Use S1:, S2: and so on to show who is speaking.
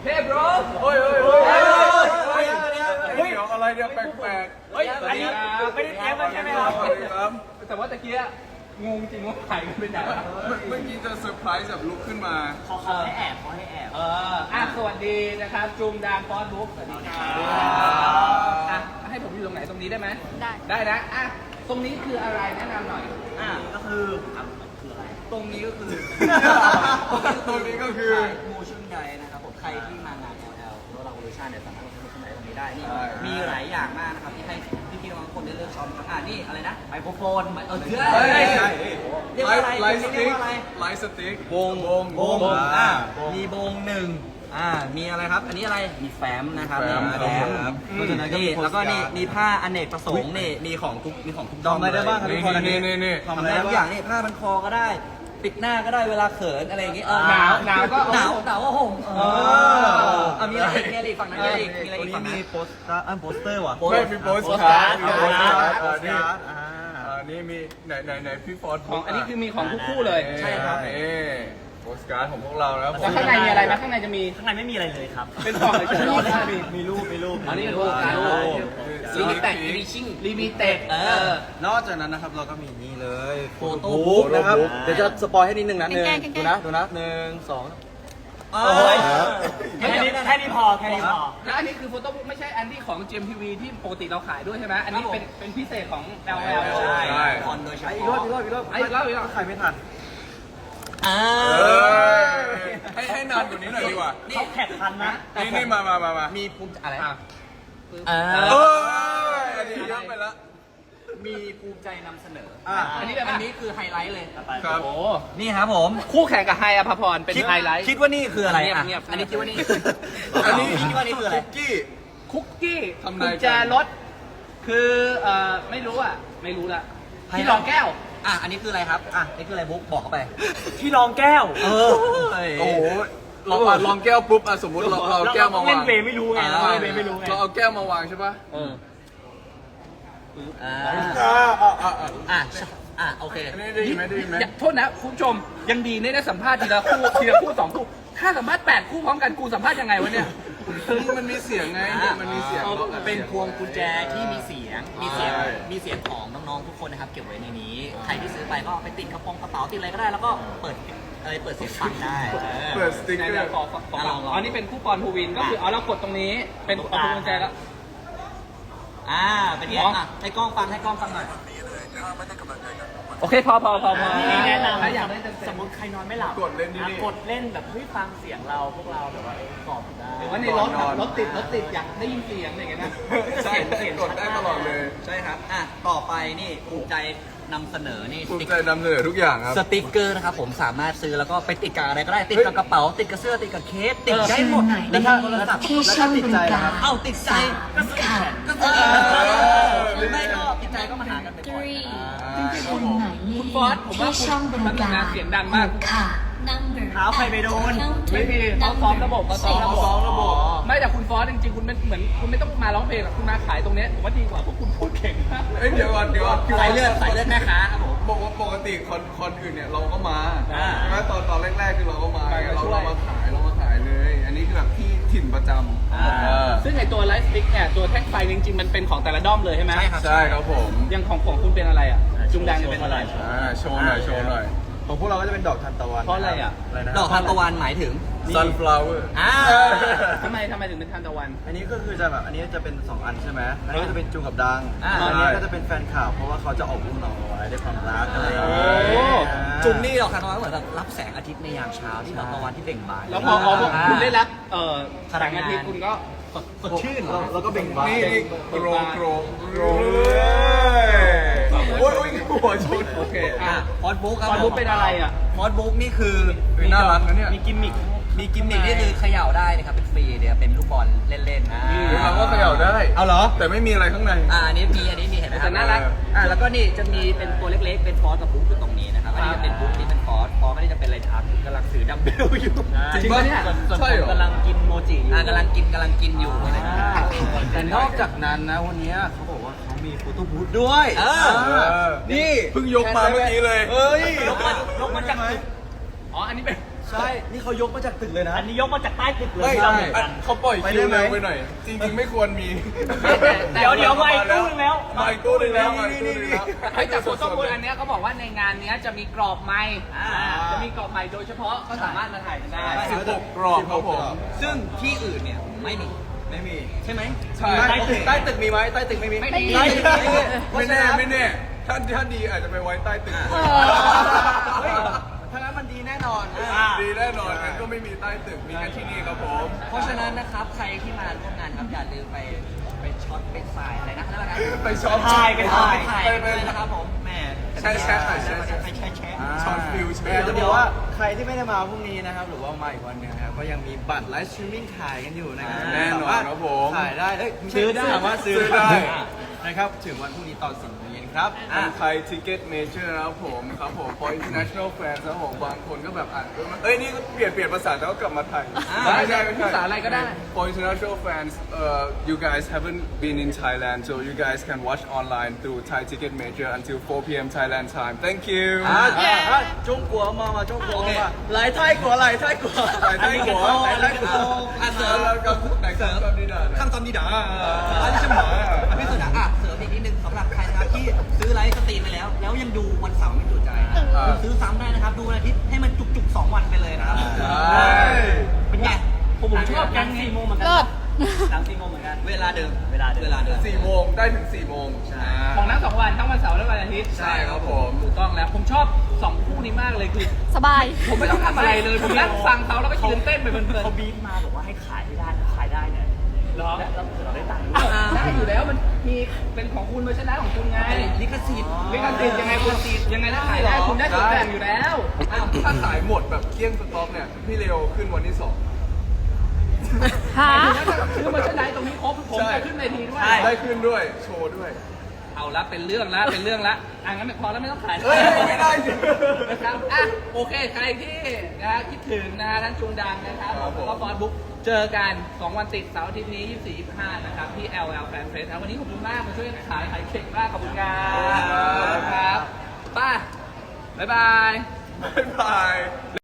S1: เฮ้ย bro
S2: เฮ้ยเฮ้ยเฮ้ยเฮ้ยเดี๋ยวอะไรเนี่ยแปลกๆ
S1: เฮ้ยอันนี้ไม่ได้เตรียมมาใช่ไหมครับ
S2: สวัสดีครับ
S1: แต่ว่าตะกี้งงจริงว่าหายกันไปไหน
S2: เมื่อกี้จะเซอร์ไพรส์แบบลุกขึ้นมา
S3: ขอให้แอบ
S1: สวัสดีนะครับจุงดางฟอนบุ๊กสวัสดีครับให้ผมอยู่ตรงไหนตรงนี้ได้ไหมได้นะตรงนี้คืออะไรแนะนำหน่อย
S3: ก็คืออะไรตรงนี้ก็คือ
S2: ตรงนี้ก็คือ
S3: โมชั่นไดนะครับผมใครที่มางาน LL หรือว่าเราโมชั่นเนี่ยสามารถโมชั่นไดตรงนี้ได้นี่มีหลายอย่างมากนะครับที่ให้พี่ๆบางคนได้เลือกช็อปครับนี่อะไรนะไมโครโฟนเชื่อเรียกว่าอะไร
S2: ไลท์ส
S3: เรีย
S2: ติ๊
S3: ก
S2: ก
S3: ว่าอะไร
S2: ไลท์สติ๊ก
S3: วงมีวงหนึ่งมีอะไรครับอันนี้อะไรมีแฟ้มนะครับนี่แฟ้มนี่แล้วก็นี่มีผ้าอเนกประสงค์นี่มีของทุกดอมได้บ้างครับทุกคนอันนี้
S2: นี่
S3: ทำได้ทุกอย่างนี่ผ้ามันคอก็ได้ปิดหน้าก็ได้เวลาเขินอะไรอย่างงี้
S1: หนาวก็
S3: หนาวก็ห่มมีอะไรอีกมีอะไรอีกฝั่งนั้นมีอะไรอีกมีอะไรอีกฝั่งนั้น
S4: มีโปสเตอร์ว่ะ
S2: ไม่มีโปสการ์ดมีโปสการ์ด
S4: โปสการ์ด
S2: นี่มีไหนพี่ฟอร์ด
S1: ของอันนี้คือมีของทุกคู่เลย
S3: ใช่ครับ
S2: นี่โปสการ์ดของพวกเราแล้ว
S1: แล้วข้างในมีอะไรไหมข้างในจะมี
S3: ข้างในไม่มีอะไรเลยครับ
S1: เป็นกล่องเฉยๆ
S4: มีรูป
S1: อันนี้รูปการลิมิเต็ดอีดิชั่นลิมิเต็ด
S4: นอกจากนั้นนะครับเราก็มีนี่เลย
S3: โฟโต้
S4: บุ๊กนะครับ
S2: บุ๊ก
S4: เดี๋ยวจะสปอยให้นิดนึงนะ
S5: แกล้ง
S4: ดูนะหนึ่งสอง
S3: แค่นี้พอแค่นี้พอ
S1: แล้วอันนี้คือโฟโต้บุ๊กไม่ใช่อันที่ของ GMTV ที่ปกติเราขายด้วยใช่ไหมอันนี้เป็นพิเศษของ LL
S3: ใช่คอนโดยเฉ
S4: อีก
S3: พาะ
S4: รอบ
S1: อีกรอบ
S4: ใครไม่ทัน
S2: ให้นานกว่านี้หน่อยดีกว่า
S3: เขาแท็กทันนะ
S2: นี่มา
S3: มีภูมิอะไร
S2: อันนี้เยอะไปละ
S3: มีภูมิใจนำเสนอ
S1: อันนี้
S3: คือไฮไลท์เลย
S2: ครับ
S1: โอ้
S3: นี่ครับผม
S1: คู่แข่งกับไฮอภพรเป็นไฮไลท์
S3: คิดว่านี่คืออะไร
S1: เงียบๆ
S3: อันนี้คิดว่านี่
S2: อันนี้
S3: คิดว่านี่คืออะไร
S2: คุกกี้
S1: คุกกี้
S2: ทำนาย
S1: กุญแจรถคือไม่รู้ละที่รองแก้ว
S3: อันนี้คืออะไรครับนี่คืออะไรบุ๊กบอกเข้าไป
S4: ที่รองแก้ว
S2: โอ้โหลองแก้วปุ๊บสมมุติเราเอาแก้วมาวาง
S4: เล่นเวไม่รู้ไงเราเล่นเวไม่รู้ไง
S2: เราเอาแก้วมาวางใช่ปะ
S3: โอเค
S2: อันนี้ได้ยินไหม
S1: โทษนะคุณผู้ชมยังดีเนี่ยได้สัมภาษณ์ทีละคู่สองคู่ถ้าสัมภาษณ์8คู่พร้อมกันกูสัมภาษณ์ยังไงวะเนี่ย
S2: มันมีเสียงไงมันมีเสียง
S3: เป็นพวงกุญแจที่มีเสียงของน้องๆทุกคนนะครับเก็บไว้ในนี้ ใครที่ซื้อไปก็เอาไปติดกระเป๋าติดอะไรก็ได้แล้วก็เปิดเสียงฟังได้
S2: เปิดสติ๊กเกอร์
S1: ขออันนี้เป็นคู่ปอนภูวินก็คือเรากดตรงนี้เป็นเอากุญแจแล้ว
S3: เป็นไงให้กล้องฟังหน่อย
S1: โอเคพอ
S3: นี่แนะนำ
S1: ถ้าอยากได้เต็ม
S3: สมมติใครนอนไม่หลับ
S2: กดเล่นนี่
S3: กดเล่นแบบฟังเสียงเราพวกเราแบบว่ากรอบได้
S1: หรือว่าในรถติดอยากได้ยินเสียงอย่างเงี้ยนะ
S2: ใช่กดได้ตลอดเลย
S3: ใช่ครับต่อไปนี่ภูมิใจนำเสนอนี่
S2: ภูมิใจนำเสนอทุกอย่างครับ
S3: สติ๊กเกอร์นะครับผมสามารถซื้อแล้วก็ไปติดกับอะไรก็ได้ติดกับกระเป๋าติดกับเสื้อติดกับเคสติดได้หมด
S4: แล้วถ้าที่ช่องบริการ
S3: ติดใจก็ซื้อหรือไม่ก็ติดใจก็มาหากันบ่อย
S5: คนหมายเลข
S1: คุณฟอสผมว่า
S5: ที่ช่องบริการ
S1: เสียงดังมาก
S5: ค่ะ
S3: เท้าใครไปโดน
S1: ไม่มีเขาซ้อมระบบไม่แต่คุณฟอสจริงๆคุณเหมือนคุณไม่ต้องมาร้องเพลงหรอกคุณมาขายตรงนี้ผมว่าดีกว่าเพราะคุณพูดเก่งมาก
S2: เดี๋ยวก่อน
S3: สายเลือดแม่ค้าครับผม
S2: บอกว่าปกติคนอื่นเนี่ยเราก็มาใช่ไหมตอนแรกๆคือเราก็มาเรามาขายเลย อันนี้คือแบบที่ถิ่นประจำ
S1: ซึ่งไอตัวไลฟ์สติ๊กเนี่ยตัวแท่งไฟจริงๆมันเป็นของแต่ละด้อมเลยใช่ไหม
S2: ใช่ครับผม
S1: ยังของคุณเป็นอะไรอ่ะจุงแดงเป็นอะไร
S2: โชว์หน่อย
S4: ของพวกเราก็จะเป็นดอกทานตะวัน
S1: เพราะอะไรอ่ะ
S4: นะ
S3: ดอกทานตะวันหมายถึง
S2: sunflower
S1: ทำไมถึงเป็นทานตะวัน
S4: อันนี้ก็คือจะแบบอันนี้จะเป็น2อันใช่ไหมอันนี้ก็จะเป็นจูกับดัง
S3: อ่า
S4: อันนี้ก็จะเป็นแฟนข่าวเพราะว่าเขาจะออกลูกน้องเอาไว้ด้วยความรักอะไรอย่างเงี้ย
S1: โอ้
S3: จุ่มนี่ดอกทานตะวันเหมือนแบบรับแสงอาทิตย์ในยามเช้าที่ดอกตะวันที่เบ่งบาน
S1: แล้วพอคุณได้รับแสงอาทิตย์คุณก็
S3: สดชื่น
S4: เราก็เบ่งบาน
S2: นี่โกรเลยโอ้ยหัวชน
S1: โอเค
S3: ฟอสบุ๊กครับ
S1: ฟอสบุ๊กเป็นอะไรอ่ะ
S3: ฟอสบุ๊กนี่คือ
S2: น่ารักนะเนี่ย
S3: มีกิมมิคนี่คือเขย่าได้นะครับเป็นฟรีเดี๋ยวเป็นลูกบอลเล่นๆนะ
S2: ถามว่าเขย่าได้
S3: เอาเหรอ
S2: แต่ไม่มีอะไรข้างใน
S3: อันนี้มีเห็นไหมครับ
S1: แต่น่ารัก
S3: แล้วก็นี่จะมีเป็นตัวเล็กๆเป็นฟอสกับบุ๊กอยู่ตรงนี้นะครับอันนี้จะเป็นบุ๊กนี่เป็นฟอสไม่ได้จะเป็นอะไรทับกำลังถือดัมเบลอยู่
S1: จริงปะเนี่ย
S2: ใช่เหรอก
S3: ำลังกินโมจิอยู่กำลังกินอยู่นะครับ
S4: แต่นอกจากนั้นนะวันนี้เขาบอกว่าเขามีโฟโต้บูธด้วย
S3: นี่
S2: เพิ่งยกมาเมื่อกี้เลย
S4: เฮ้ย
S3: ลงมาจาก
S1: อ๋ออันนี้เป็น
S3: ใช่นี่เขายกมาจากตึกเลยนะ
S6: อันนี้ยกมาจากใต้ตึกเลย
S2: ไม่
S6: เราเหมือนกัน
S2: เขาปล่อยคิวเร็วไปหน่อย จริงๆไม่ควรมี
S6: เดี๋ยวมาอีกตู้นึงแล้ว
S2: มาอีกตู้หนึงแล้วมาอีกตู้หนึงแล้ว
S1: เฮ้ยแต่ส่วนข้อมูลอันเนี้ยเขาบอกว่าในงานเนี้ยจะมีกรอบไมค์จะมีกรอบไมค์โดยเฉพาะก็สามารถมาถ่ายกันได้
S2: 16 กรอบครับผม
S3: ซึ่งที่อื่นเนี่ยไม่มีใช่ไหม
S2: ใช่
S3: ใต้ตึกมีไหมใต้ตึกไม่มี
S1: ไม่มี
S3: ใต้ตึกไม่มี
S2: ไม่แน่ไม่แน่ถ้าดีอาจจะไปไว้ใต้ตึก
S3: เฮ้ยถ้างั้นมันดีแน่นอน
S2: ดีแน่นอนงั้นก็ไม่มีใต้ตึกมีแค่ที่นี่ครับผม
S3: เพราะฉะนั้นนะครับใครที่มาร่วมงานครับอย่าลืมไปช็อตไปสายอะไรนะแล้วกัน
S2: ไปช็อป
S6: ถ่ายไปถ่าย
S3: ไปนะครับผมแหม
S2: แชะหน่อยแชะ
S3: ไปแชะ
S2: ช็อตฟิลใช่ไหม
S4: จะบอกว่าใครที่ไม่ได้มาพรุ่งนี้นะครับ หรือว่ามาอีกวันหนึงนะครับ ก็ยังมีบัตรไลฟ์สตรีมมิ่งขายกันอยู่นะครับ
S2: แน่นอนครับผม
S4: ขายได้ซื้อได้สามารถซื้อได้นะครับถึงวันพรุ่งนี้ตอน4 โมงเย็นครับ
S2: ทางไทยทิเก็ตเมเจอร์นะครับผมครับผม for international fans นะครับผมบางคนก็แบบอ่านนี่ก็เปลี่ยนภาษาแล้วก็กลับมาไทยไม่ใช่
S1: ภาษาอะไรก็ได้
S2: for international fans you guys haven't been in Thailand so you guys can watch online through Thai Ticket Major until 4 p.m. Thailand time thank you
S4: 中國嘛中國嘛嚟泰國嚟泰國
S2: 嚟泰國
S4: 嚟泰國
S2: เสริมแล้วก็แต่งเสริมกับดีดา
S3: ข้ามตอนดีด่าอันนี้ใช่ไหมพี่สุดอ่ะเสริมอีกนิดนึงสำหรับใครนะครับที่ซื้อไลฟ์สตรีมไปแล้วยังดูวันเสาร์ไม่จุใจคุณซื้อซ้ำได้นะครับดูวันอาทิตย์ให้มันจุกๆ2 วันไปเลยนะครับเป็นไง
S6: ผมชอบกัน4 โมงเหมือนกันหลัง4 โมงเหมือนกัน
S3: เวลาเดิม
S6: เวลาเดิม
S2: 4 โมงได้ถึง 4 โมง
S1: ของทั้ง2 วันทั้งวันเสาร์และวันอาทิตย์
S2: ใช่ครับผม
S1: ถูกต้องแล้วผมชอบ2 คู่นี้มากเลยคือ
S5: สบาย
S1: ผมไม่ต้องทำอะไรเลย ผมนั่งฟังเขาแล้วก็ยืนเต้นไปเพลิน
S6: เขาบีบมาบอกว่าให้ขายให้ได้ขายได้เนี่ย
S1: ๆเหรอ
S6: แล้วเราได้ตังค์
S1: ได้อยู่แล้วมันมีเป็นของคุณเวอร์ชันนั้นของคุณไง
S3: ลิขสิทธิ์
S1: ลิขสิทธิ์ยังไงคุณยังไงถ้าขายได้คุณได้ส่วนแบ่งอยู่แล้ว
S2: ถ้าขายหมดแบบเกลี้ยงสต็อกเนี่ย พี่เร็วขึ้นวันที่ 2
S5: หา
S1: คือเวอร์ชันไหนตรงนี้ครบผมจะขึ้นเวทีด้วย
S2: ได้ขึ้นด้วย โชว์ด้วย
S1: เอาละเป็นเรื่องละงั้นพอแล้วไม่ต้องขาย
S2: เฮ้ยไม่ได้สิ
S1: นะครับอ่ะโอเคใครที่นะคิดถึงนะทั้งจุงดังนะครับ
S2: ครับผม
S1: ก็บอลบุ๊กเจอกัน2 วันติดเสาร์อาทิตย์นี้ 24-25 นะครับที่ LL Fan Fest นะวันนี้ขอบคุณมากมาช่วยขายเค้กมากขอบคุณครับครับป้าบ๊ายบาย
S2: บ๊ายบาย